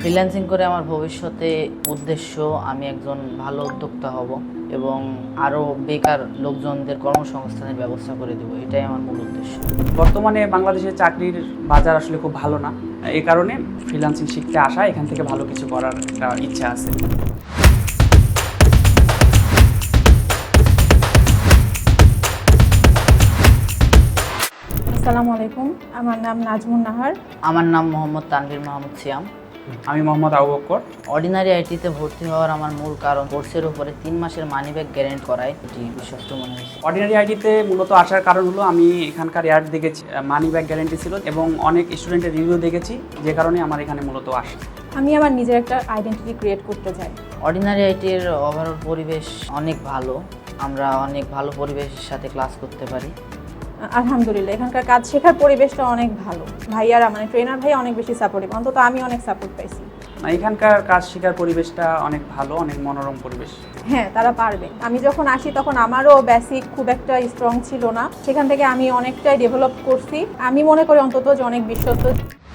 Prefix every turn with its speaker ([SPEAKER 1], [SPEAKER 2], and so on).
[SPEAKER 1] Freelancing করে আমার ভবিষ্যতে উদ্দেশ্য আমি একজন ভালো উদ্যোক্তা হব এবং আরও বেকার লোকজনদের কর্মসংস্থানের ব্যবস্থা করে দেবো, এটাই আমার মূল উদ্দেশ্য।
[SPEAKER 2] বর্তমানে বাংলাদেশের চাকরির বাজার আসলে খুব ভালো না, এই কারণে ফ্রিল্যান্সিং শিখতে আসা, এখান থেকে ভালো কিছু করার একটা ইচ্ছা আছে।
[SPEAKER 3] আসসালামু আলাইকুম, আমার নাম নাজমুন নাহার।
[SPEAKER 1] আমার নাম মোহাম্মদ তানভীর মাহমুদ সিয়াম।
[SPEAKER 2] আমি মোহাম্মদ আবু বকর।
[SPEAKER 1] অর্ডিনারি আইটিতে ভর্তি হওয়ার আমার মূল কারণ কোর্সের উপরে 3 মাসের মানি ব্যাক গ্যারেন্টি করায়, এটি বিশ্বস্ত মনে হয়েছে।
[SPEAKER 2] অর্ডিনারি আইটিতে মূলত আসার কারণ হলো আমি এখানকার অ্যাড দেখেছি, মানি ব্যাক গ্যারেন্টি ছিল এবং অনেক স্টুডেন্টের রিভিউ দেখেছি, যে কারণে আমার এখানে মূলত আসা।
[SPEAKER 3] আমি আমার নিজের একটা আইডেন্টিটি ক্রিয়েট করতে চাই।
[SPEAKER 1] অর্ডিনারি আইটির ওভারঅল পরিবেশ অনেক ভালো, আমরা অনেক ভালো পরিবেশের সাথে ক্লাস করতে পারি।
[SPEAKER 3] আলহামদুলিল্লাহ, এখানকার কাজ শেখার পরিবেশটা অনেক ভালো। ভাইয়ারা মানে ট্রেনার ভাই অনেক বেশি সাপোর্টিভ, অন্তত আমি অনেক সাপোর্ট পাইছি।
[SPEAKER 2] এখানকার কাজ শেখার পরিবেশটা অনেক ভালো, অনেক মনোরম পরিবেশ।
[SPEAKER 3] হ্যাঁ, তারা পারবে। আমি যখন আসি তখন আমারও বেসিক খুব একটা স্ট্রং ছিল না, সেখান থেকে আমি অনেকটাই ডেভেলপ করছি। আমি মনে করি অন্তত যে অনেক বিশ্বস্ত।